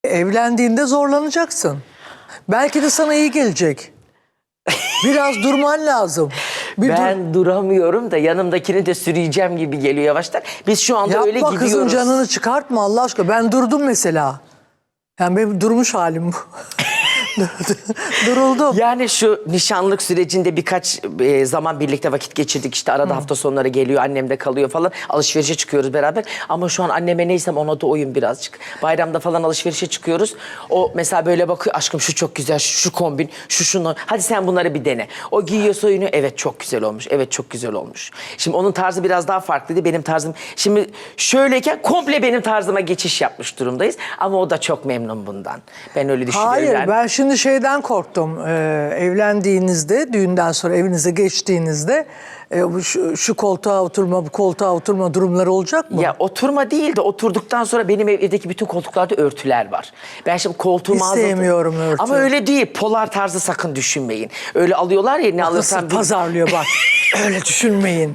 Evlendiğinde zorlanacaksın. Belki de sana iyi gelecek. Biraz durman lazım. Ben duramıyorum da yanımdakini de sürüyeceğim gibi geliyor yavaştan. Biz şu anda öyle Yapma gidiyoruz. kızın canını çıkartma Allah aşkına. Ben durdum mesela. Yani benim durmuş halim bu. Duruldum. Yani şu nişanlık sürecinde birkaç zaman birlikte vakit geçirdik. İşte arada hafta sonları geliyor, annem de kalıyor falan. Alışverişe çıkıyoruz beraber. Ama şu an anneme neysem ona da oyun birazcık. Bayramda falan alışverişe çıkıyoruz. O mesela böyle bakıyor, aşkım şu çok güzel, şu kombin, şunu. Hadi sen bunları bir dene. O giyiyor soyunu, evet çok güzel olmuş, evet çok güzel olmuş. Şimdi onun tarzı biraz daha farklıydı. Benim tarzım, şimdi şöyleyken komple benim tarzıma geçiş yapmış durumdayız. Ama o da çok memnun bundan. Ben öyle düşünüyorum. Hayır yani. ben şimdi şeyden korktum. Evlendiğinizde, düğünden sonra evinize geçtiğinizde şu koltuğa oturma, bu koltuğa oturma durumları olacak mı? Ya oturma değil de oturduktan sonra benim evdeki bütün koltuklarda örtüler var. Ben şimdi koltuğumu Hiç sevmiyorum örtü. Ama öyle değil. Polar tarzı sakın düşünmeyin. Öyle alıyorlar ya, ne alırsan Nasıl pazarlıyor bak. Öyle düşünmeyin.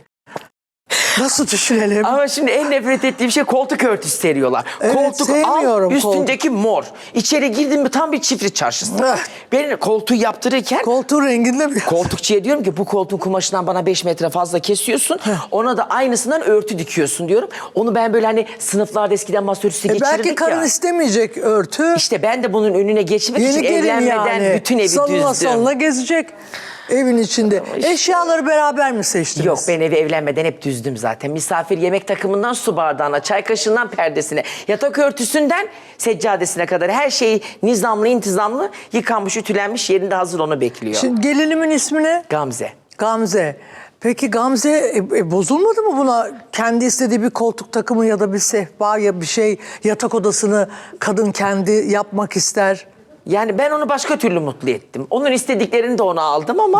Nasıl düşünelim? Ama şimdi en nefret ettiğim şey koltuk örtüsü seriyorlar. Evet, koltuk sevmiyorum al, üstündeki mor. İçeri girdin mi tam bir çiftlik çarşısı. Ben koltuğu yaptırırken Koltuğun renginde mi? koltukçuya diyorum ki bu koltuğun kumaşından bana 5 metre fazla kesiyorsun. Ona da aynısından örtü dikiyorsun diyorum. Onu ben böyle hani sınıflarda eskiden masa örtüsü geçirirdik Belki karın ya. istemeyecek örtü. İşte ben de bunun önüne geçmek için Yeni gelin evlenmeden yani. bütün evi salına düzdüm. salına gezecek evin içinde. Eşyaları beraber mi seçtiniz? Yok, ben evi evlenmeden hep düzdüm zaten. Misafir yemek takımından su bardağına, çay kaşığından perdesine, yatak örtüsünden seccadesine kadar her şey nizamlı, intizamlı, yıkanmış, ütülenmiş, yerinde hazır, onu bekliyor. Şimdi gelinimin ismi ne? Gamze. Gamze. Peki Gamze bozulmadı mı buna? Kendi istediği bir koltuk takımı ya da bir sehpa ya bir şey, yatak odasını kadın kendi yapmak ister. Yani ben onu başka türlü mutlu ettim. Onun istediklerini de ona aldım ama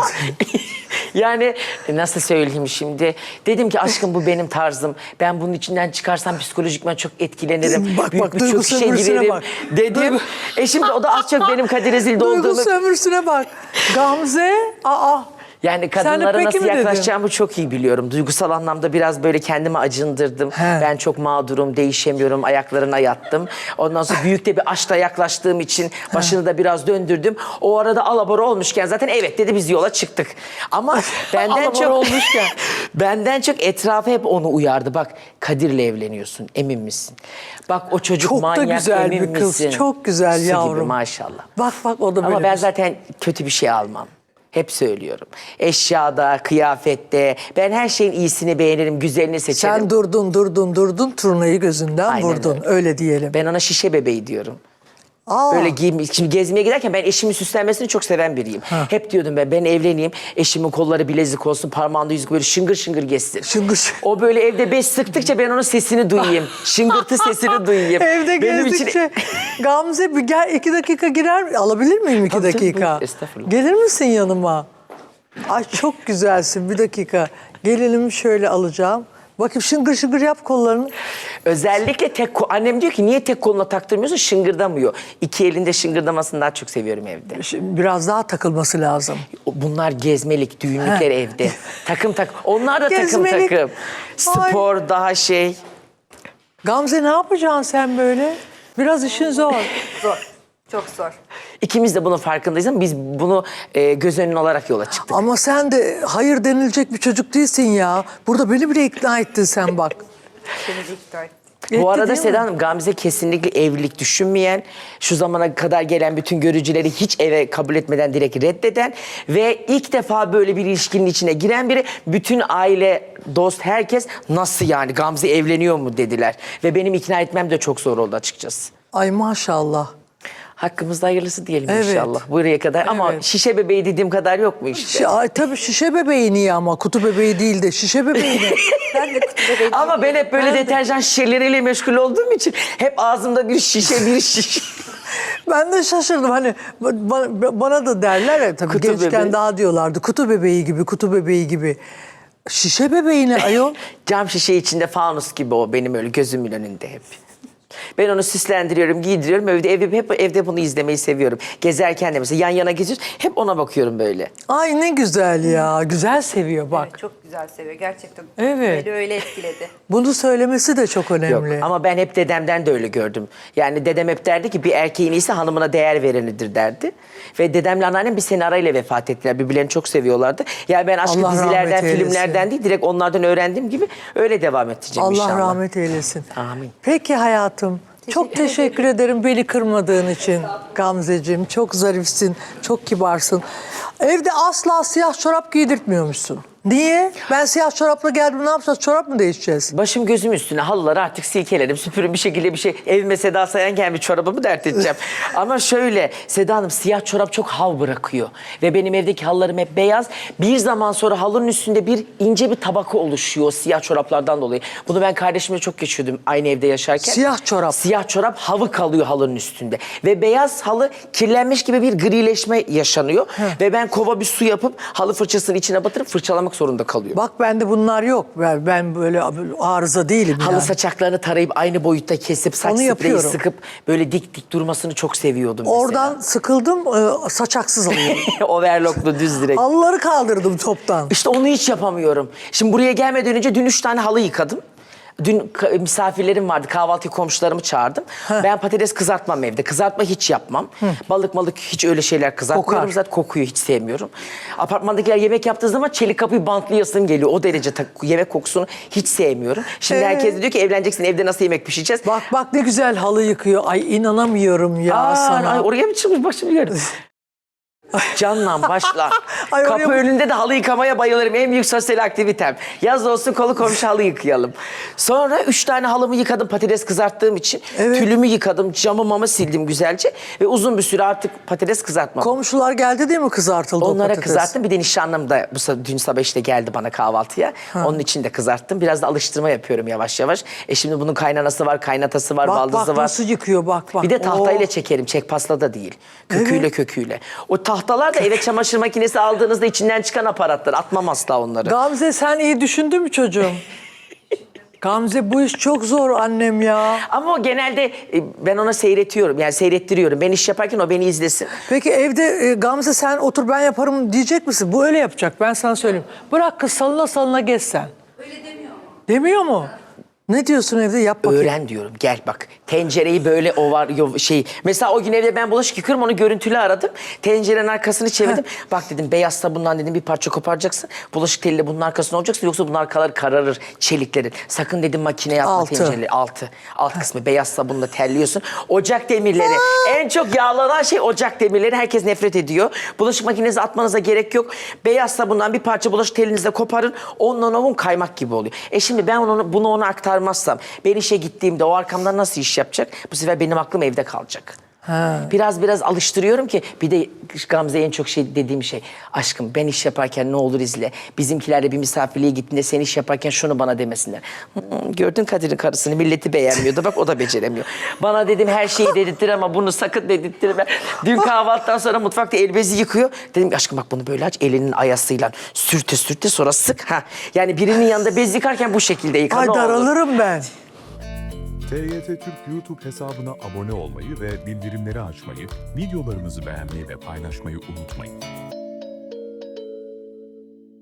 yani nasıl söyleyeyim şimdi? Dedim ki aşkım bu benim tarzım. Ben bunun içinden çıkarsam psikolojikman çok etkilenirim. Bak, Büyük bak, bir duygu çöküşe sömürüsüne girerim bak. dedim. Şimdi o da az çok benim Kadir Ezil'de Duygu olduğumu... sömürüsüne bak. Gamze, Yani Sen de kadınlara peki nasıl mi dedin? yaklaşacağımı çok iyi biliyorum. Duygusal anlamda biraz böyle kendimi acındırdım. Ben çok mağdurum, değişemiyorum, ayaklarına yattım. Ondan sonra büyük de bir aşkla yaklaştığım için başını da biraz döndürdüm. O arada alabora olmuşken zaten evet dedi, biz yola çıktık. Ama benden çok olmuşken. benden çok etrafı hep onu uyardı. Bak, Kadir'le evleniyorsun, emin misin? Bak o çocuk çok da manyak, güzel emin bir kız. misin? Çok güzel Su gibi, yavrum. maşallah. Bak o da böyle. Ama ben kız. zaten kötü bir şey almam. Hep söylüyorum. Eşyada, kıyafette. Ben her şeyin iyisini beğenirim, güzelini seçerim. Sen durdun, turnayı gözünden Aynen vurdun. Öyle diyelim. Ben ona şişe bebeği diyorum. Aa, Böyle şimdi gezmeye giderken ben eşimin süslenmesini çok seven biriyim. Hep diyordum ben evleneyim, eşimin kolları bilezik olsun, parmağında yüzük böyle şıngır şıngır gezsin. Şıngır. O böyle evde beş sıktıkça ben onun sesini duyayım. Şıngırtı sesini duyayım. Evde gezdikçe Gamze bir gel 2 dakika girer alabilir miyim 2 Tabii, tabii, dakika? buyur, estağfurullah. Gelir misin yanıma? Ay çok güzelsin, 1 dakika. Gelinimi şöyle alacağım. Bakayım şıngır şıngır yap kollarını. Özellikle annem diyor ki niye tek koluna taktırmıyorsun, şıngırdamıyor. 2 elinde şıngırdamasını daha çok seviyorum evde. Şimdi biraz daha takılması lazım. Bunlar gezmelik, düğünlükler evde. Takım. Onlar da Gezmelik. takım. Spor daha şey. Gamze ne yapacaksın sen böyle? Biraz işin zor. Zor. Çok zor. İkimiz de bunun farkındayız ama biz bunu göz önüne olarak yola çıktık. Ama sen de hayır denilecek bir çocuk değilsin ya. Burada beni bile ikna ettin sen bak. Seni de ikna ettim. Bu arada değil mi? Seda Hanım, Gamze kesinlikle evlilik düşünmeyen, şu zamana kadar gelen bütün görücüleri hiç eve kabul etmeden direkt reddeden ve ilk defa böyle bir ilişkinin içine giren biri. Bütün aile, dost, herkes nasıl yani Gamze evleniyor mu dediler. Ve benim ikna etmem de çok zor oldu açıkçası. Ay maşallah. Hakkımızda hayırlısı diyelim Evet. inşallah buraya kadar. Ama Evet. şişe bebeği dediğim kadar yok mu işte? Ay, tabii şişe bebeği niye ama? Kutu bebeği değil de şişe bebeği ne? Ben de kutu bebeği Ama ben hep böyle deterjan şişeleriyle meşgul olduğum için hep ağzımda bir şişe. Ben de şaşırdım. Hani bana da derler ya tabii Kutu gençken bebeği. daha diyorlardı. Kutu bebeği gibi. Şişe bebeği ne ayol? Cam şişe içinde fanus gibi o benim öyle gözümün önünde hep. Ben onu süslendiriyorum, giydiriyorum. Hep evde bunu izlemeyi seviyorum. Gezerken de mesela yan yana geziyoruz. Hep ona bakıyorum böyle. Ay ne güzel ya. Güzel seviyor bak. Evet, çok güzel seviyor gerçekten. Evet. Öyle etkiledi. Bunu söylemesi de çok Yok önemli. ama ben hep dedemden de öyle gördüm. Yani dedem hep derdi ki bir erkeğin iyisi hanımına değer verenidir derdi. Ve dedemle anneannem bir sene arayla vefat ettiler. Birbirlerini çok seviyorlardı. Yani ben aşkı Allah dizilerden, rahmet eylesin. filmlerden değil direkt onlardan öğrendiğim gibi öyle devam edeceğim Allah inşallah. rahmet eylesin. Amin. Peki hayatım. Çok teşekkür ederim beni kırmadığın için Gamzeciğim. Çok zarifsin, çok kibarsın. Evde asla siyah çorap giydirtmiyormuşsun. Niye? Ben siyah çorapla geldim, ne yapacağız? Çorap mı değişeceğiz? Başım gözüm üstüne halıları artık silkelerim, süpürün bir şekilde bir şey. Evime Seda Sayan gelmiş çorabımı dert edeceğim. Ama şöyle Seda Hanım siyah çorap çok hav bırakıyor. Ve benim evdeki halılarım hep beyaz. Bir zaman sonra halının üstünde bir ince bir tabaka oluşuyor o siyah çoraplardan dolayı. Bunu ben kardeşimle çok geçiyordum aynı evde yaşarken. Siyah çorap. Siyah çorap havı kalıyor halının üstünde. Ve beyaz halı kirlenmiş gibi bir grileşme yaşanıyor. Ve ben kova bir su yapıp halı fırçasını içine batırıp fırçalamak zorunda kalıyorum. Bak bende bunlar yok. Ben böyle arıza değilim Halı yani. saçaklarını tarayıp aynı boyutta kesip saç Onu spreyi yapıyorum. sıkıp böyle dik dik durmasını çok seviyordum mesela. Oradan sıkıldım, saçaksız alıyorum. Overlocklu düz direkt. Halıları kaldırdım toptan. İşte onu hiç yapamıyorum. Şimdi buraya gelmeden önce dün 3 tane halı yıkadım. Dün misafirlerim vardı. Kahvaltı komşularımı çağırdım. Ben patates kızartmam evde. Kızartma hiç yapmam. Balık hiç öyle şeyler kızartmıyorum. Kokar. Zaten kokuyu hiç sevmiyorum. Apartmandakiler yemek yaptığı zaman çelik kapıyı bantlayasım geliyor. O derece yemek kokusunu hiç sevmiyorum. Şimdi herkes de diyor ki evleneceksin evde nasıl yemek pişireceğiz? Bak ne güzel halı yıkıyor. Ay inanamıyorum ya sana. Ay, oraya mı çıkmış başım yerim? Canla başla. Ay, oraya Kapı mı- önünde de halı yıkamaya bayılırım. En büyük sosyal aktivitem. Yaz olsun kolu komşu halı yıkayalım. Sonra 3 tane halımı yıkadım patates kızarttığım için. Evet. Tülümü yıkadım, camı sildim güzelce. Ve uzun bir süre artık patates kızartmam. Komşular geldi değil mi kızartıldı o Onlara patates? kızarttım. Bir de nişanlım da dün sabah işte geldi bana kahvaltıya. Onun için de kızarttım. Biraz da alıştırma yapıyorum yavaş yavaş. Şimdi bunun kaynanası var, kaynatası var, Bak baldızı var. nasıl yıkıyor bak. Bir de tahtayla Oo. çekerim. Çekpasla da değil. Köküyle. O tahtalar da eve çamaşır makinesi aldığınızda içinden çıkan aparatlar. Atmam asla onları. Gamze sen iyi düşündün mü çocuğum? Gamze bu iş çok zor annem ya. Ama o genelde ben ona seyretiyorum. Yani seyrettiriyorum. Ben iş yaparken o beni izlesin. Peki evde Gamze sen otur ben yaparım diyecek misin? Bu öyle yapacak ben sana söyleyeyim. Bırak kız salına gez sen. Öyle demiyor mu? Demiyor mu? Ne diyorsun evde yap bakayım. Öğren diyorum. Gel bak. Tencereyi böyle mesela o gün evde ben bulaşık yıkıyorum onu görüntülü aradım. Tencerenin arkasını çevirdim. Bak dedim beyaz sabundan dedim bir parça koparacaksın. Bulaşık teliyle bunun arkasına olacaksın yoksa bunun arkaları kararır çeliklerin. Sakın dedim makine yapma Altı. tencereleri. Alt kısmı beyaz sabunla terliyorsun. Ocak demirleri. En çok yağlanan şey ocak demirleri. Herkes nefret ediyor. Bulaşık makinesi atmanıza gerek yok. Beyaz sabundan bir parça bulaşık telinizle koparın. Ondan ovun kaymak gibi oluyor. Şimdi ben bunu ona aktarmazsam ben işe gittiğimde o arkamdan nasıl iş yapacak? Bu sefer benim aklım evde kalacak. Biraz alıştırıyorum ki bir de Gamze'ye en çok dediğim şey aşkım ben iş yaparken ne olur izle. Bizimkilerle bir misafirliğe gittiğinde sen iş yaparken şunu bana demesinler. Gördün Kadir'in karısını milleti beğenmiyordu bak o da beceremiyor. Bana dedim her şeyi dedirttir ama bunu sakın dedirttirme. Dün kahvaltıdan sonra mutfakta el bezi yıkıyor. Dedim aşkım bak bunu böyle aç elinin ayasıyla sürte sonra sık. Yani birinin yanında bez yıkarken bu şekilde yıka Ay ne olur. daralırım ben. TYT Türk YouTube hesabına abone olmayı ve bildirimleri açmayı, videolarımızı beğenmeyi ve paylaşmayı unutmayın.